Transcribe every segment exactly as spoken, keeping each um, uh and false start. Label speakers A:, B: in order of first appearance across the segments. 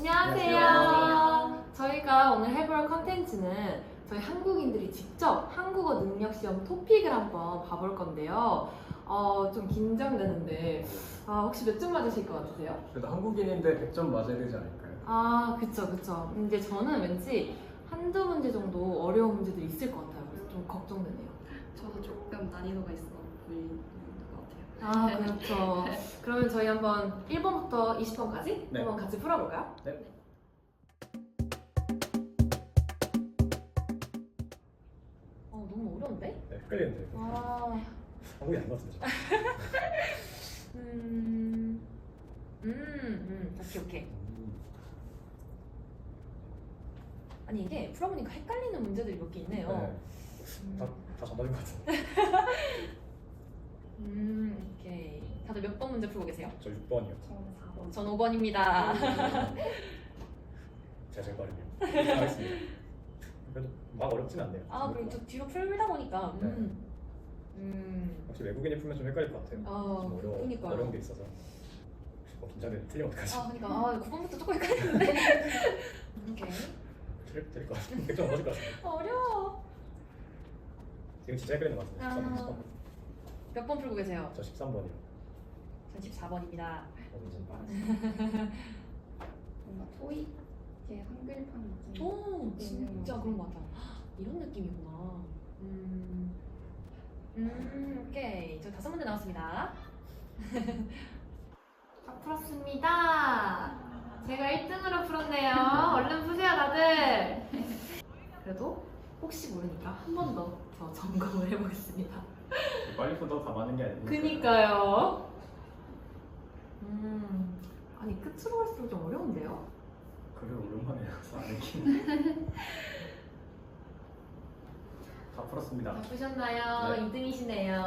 A: 안녕하세요.
B: 안녕하세요.
A: 저희가 오늘 해볼 컨텐츠는 저희 한국인들이 직접 한국어 능력 시험 토픽을 한번 봐볼 건데요. 어, 좀 긴장되는데 아, 혹시 몇 점 맞으실 것 같으세요?
B: 그래도 한국인인데 백 점 맞아야 되지 않을까요?
A: 아, 그쵸, 그쵸. 근데 저는 왠지 한두 문제 정도 어려운 문제들이 있을 것 같아요. 그래서 좀 걱정되네요.
C: 저도 조금 난이도가 있어 보이는 것 같아요.
A: 아, 그렇죠. 그러면 저희 한번 일 번부터 이십 번까지
B: 네.
A: 한번 같이 풀어볼까요?
B: 네.
A: 어, 너무 어려운데?
B: 네, 헷갈리는데.
A: 아,
B: 한국인 아닌 것 같은데.
A: 음, 음, 음, 오케이, 오케이.
B: 음.
A: 아니 이게 풀어보니까 헷갈리는 문제들이 몇 개 있네요.
B: 네.
A: 음,
B: 다, 다 정답인 것 같은데.
A: 음, 오케이. 다들 몇 번 문제 풀고 계세요?
B: 저 육 번이요.
C: 저는 사 번.
A: 전 오 번입니다.
B: 제가 제일 빠르네요. 알겠습니다. 그래도 막 어렵진 않네요.
A: 아, 그리고 또 뒤로 풀다 보니까, 음, 음,
B: 혹시 외국인이 풀면 좀 헷갈릴 것 같아요.
A: 어,
B: 좀 어려워,
A: 그러니까요.
B: 어려운 게 있어서. 어, 긴장돼. 틀리면 어떡하지?
A: 아, 그러니까 아, 구 번부터 조금 헷갈리는데. 오케이.
B: 틀릴, 틀릴 것 같은데. 백 점 맞을 것 같은데.
A: 어려워.
B: 이거 진짜 헷갈리는 것 같은데.
A: 아.
B: 십삼 번, 십삼 번.
A: 몇 번 풀고 계세요?
B: 저 십삼 번이요.
A: 전 십사 번입니다.
B: 어, 무슨
C: 뭔가 토익의 한글판 같은
A: 오, 진짜 그런 것 같아. 헉, 이런 느낌이구나. 음, 음, 오케이. 저 다섯 문제 나왔습니다. 다 풀었습니다. 제가 일 등으로 풀었네요. 얼른 푸세요, 다들. 그래도 혹시 모르니까 한 번 더 더 점검을 해보겠습니다.
B: 빨리 푸더 다 맞는 게 아니고.
A: 그니까요. 음, 아니 끝으로 갈수록 좀 어려운데요?
B: 그래 오랜만에 해서 안 했긴. 다 풀었습니다.
A: 다 푸셨나요?
B: 네.
A: 이 등이시네요.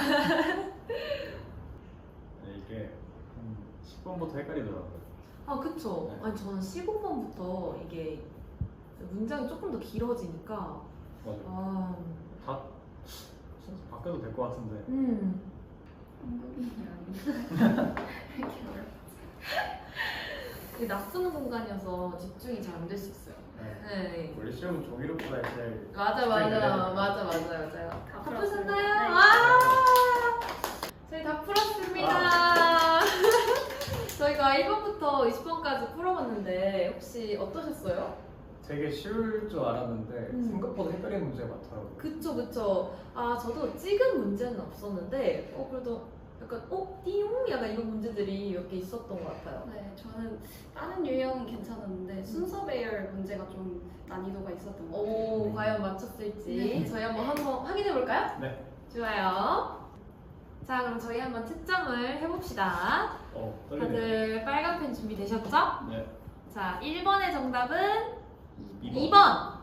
B: 네, 이게 한 십 번부터 헷갈리더라고요.
A: 아, 그쵸.
B: 네.
A: 아니, 저는 십오 번부터 이게 문장이 조금 더 길어지니까,
B: 맞아요.
A: 아,
B: 다 진짜 바뀌어도 될 것 같은데.
A: 음.
C: 한국인이 아닌데 이렇게 어렵.
A: 이게 낯서는 공간이어서 집중이 잘 안 될 수 있어요.
B: 네.
A: 네.
B: 원래 시험 종이로보다 제일
A: 맞아, 맞아,
B: 집중이
A: 맞아,
B: 되는
A: 맞아, 맞아요.
C: 다
A: 다
C: 풀었어요.
A: 푸셨나요?
C: 네.
A: 와! 저희 다 풀었습니다. 저희가 일 번부터 이십 번까지 풀어봤는데, 혹시 어떠셨어요?
B: 되게 쉬울 줄 알았는데
A: 음.
B: 생각보다 헷갈리는 문제가 많더라고요.
A: 그쵸, 그쵸. 아, 저도 찍은 문제는 없었는데, 어, 그래도 약간, 어? 띠용? 약간 이런 문제들이 몇 개 있었던 것 같아요.
C: 네, 저는 다른 유형은 괜찮았는데 순서 배열 문제가 좀 난이도가 있었던 것 같아요.
A: 오,
B: 음.
A: 과연 맞췄을지.
C: 네.
A: 저희 한번 한번 확인해볼까요?
B: 네.
A: 좋아요. 자, 그럼 저희 한번 채점을 해봅시다.
B: 어, 떨리네요.
A: 다들 빨간 펜 준비되셨죠?
B: 네.
A: 자, 일 번의 정답은
B: 이
A: 이 번.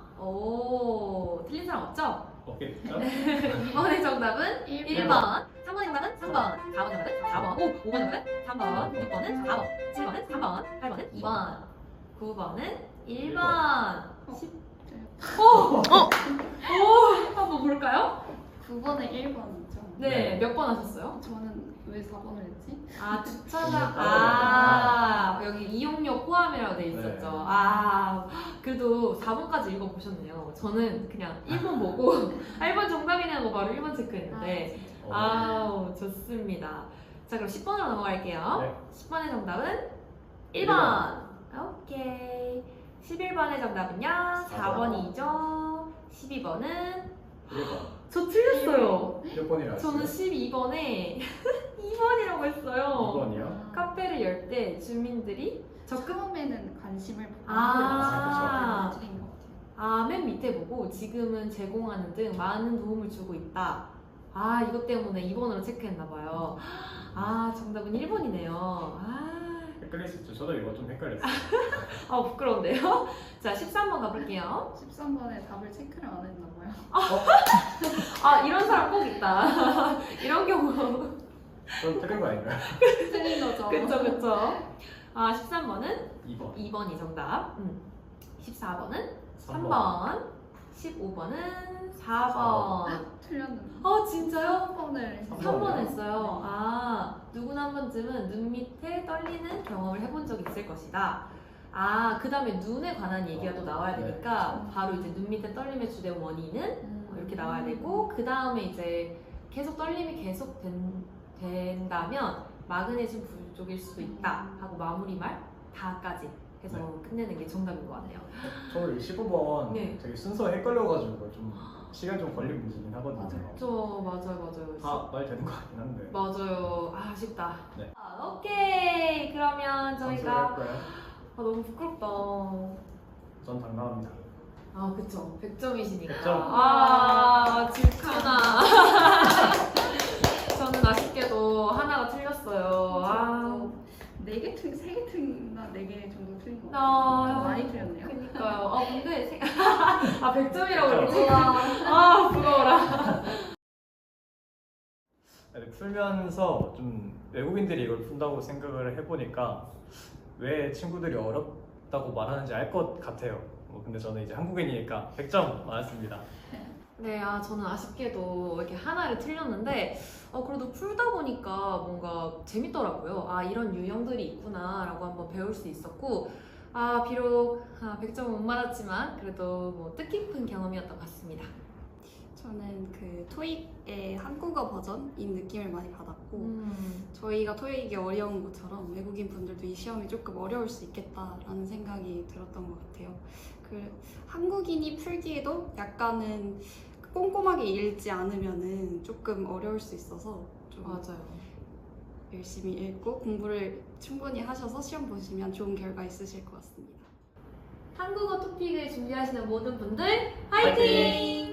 A: 오, 틀린 사람 없죠?
B: 없겠죠?
A: 이 번의 정답은
C: 일
A: 일 번. 삼 번의 정답은 삼 번. 사 번의 정답은 사 번. 오, 오 번의 정답은 삼 번. 육 번은 사 번. 칠 번은 삼 번. 팔 번은 이 번. 구 번은 일 번. 십. 오! 어! 오! 한번 볼까요?
C: 구 번에 일 번이죠.
A: 네,
B: 네.
A: 몇 번 하셨어요?
C: 저는 왜 사 번을 했지?
A: 아, 주차장.
B: 이용료
A: 아, 여기 이용료 포함이라고 돼 있었죠.
B: 네.
A: 아, 그래도 사 번까지 읽어보셨네요. 저는 그냥 일 번 보고 일 번 정답이냐고 바로 일 번 체크했는데.
B: 어,
A: 아우, 좋습니다. 자, 그럼 십 번으로 넘어갈게요.
B: 네.
A: 십 번의 정답은 일
B: 일
A: 번. 오케이. 십일 번의 정답은요? 사
B: 사 번.
A: 번이죠. 십이 번은
B: 일 번.
A: 저 틀렸어요.
B: 몇 번이라 했어요?
A: 저는 십이 번에 이 번이라고 했어요.
B: 이 번이요?
A: 카페를 열 때 주민들이 적극
C: 처음에는 관심을 보고
A: 아.
C: 한글 틀린 것 같아요.
A: 아, 맨 밑에 보고 지금은 제공하는 등 많은 도움을 주고 있다. 아, 이것 때문에 이 번으로 체크했나 봐요. 아, 정답은 일 번이네요. 아,
B: 헷갈릴 수 있죠. 저도 이거 좀 헷갈렸어요.
A: 아 부끄러운데요? 자, 십삼 번 가볼게요.
C: 십삼 번에 답을 체크를 안 했나 봐요.
A: 아, 이런 사람 꼭 있다. 이런 경우.
B: 그럼 틀린 거 아닌가요?
C: 틀린 거죠.
A: 그쵸, 그쵸. 아, 십삼 번은
B: 이 번.
A: 이 번이 정답. 음. 십사 번은 삼
B: 삼
A: 번. 십오 번은 사 번.
C: 틀렸는데.
A: 어, 진짜요?
C: 삼 번을
B: 삼
A: 삼 번
B: 번이요?
A: 했어요. 아, 누구나 한 번쯤은 눈 밑에 떨리는 경험을 해본 적이 있을 것이다. 아, 그 다음에 눈에 관한 얘기가 또 나와야
B: 네.
A: 되니까 바로 이제 눈 밑에 떨림의 주된 원인은 어, 이렇게 나와야 되고 그 다음에 이제 계속 떨림이 계속 된, 된다면 마그네슘 부족일 수도 있다 하고 마무리말 다까지 해서
B: 네.
A: 끝내는 게 정답인 것 같아요.
B: 저는 이 십오 번
A: 네.
B: 되게 순서 헷갈려가지고 좀 시간 좀 걸린 문제긴 하거든요.
A: 저 맞아요 맞아요.
B: 다 말 되는 것 같긴 한데.
A: 맞아요. 아, 아쉽다.
B: 네.
A: 아, 오케이. 그러면 저희가
B: 할까요?
A: 아, 너무 부끄럽다.
B: 전 당당합니다.
A: 아, 그쵸. 백 점이시니까.
B: 백 점.
A: 아, 질투나. 저는 아쉽게도 하나가 틀렸어요. 아,
C: 네개 틀, 세개 틀린가 네 개 정도 틀린 것
A: 아,
C: 같아요. 많이 틀렸네요.
A: 그니까요. 아, 근데. 세... 아, 백 점이라고 그러지? 아, 부러워라.
B: 아니, 풀면서 좀 외국인들이 이걸 푼다고 생각을 해보니까 왜 친구들이 어렵다고 말하는지 알 것 같아요. 뭐 근데 저는 이제 한국인이니까 백 점 맞았습니다.
A: 네, 아, 저는 아쉽게도 이렇게 하나를 틀렸는데, 어, 그래도 풀다 보니까 뭔가 재밌더라고요. 아, 이런 유형들이 있구나라고 한번 배울 수 있었고, 아, 비록 아, 백 점은 못 맞았지만, 그래도 뭐 뜻깊은 경험이었던 것 같습니다.
C: 저는 그 토익의 한국어 버전인 느낌을 많이 받았고
A: 음,
C: 저희가 토익이 어려운 것처럼 외국인 분들도 이 시험이 조금 어려울 수 있겠다라는 생각이 들었던 것 같아요. 그 한국인이 풀기에도 약간은 꼼꼼하게 읽지 않으면은 조금 어려울 수 있어서 좀
A: 맞아요.
C: 열심히 읽고 공부를 충분히 하셔서 시험 보시면 좋은 결과 있으실 것 같습니다.
A: 한국어 토픽을 준비하시는 모든 분들, 화이팅!
B: 화이팅!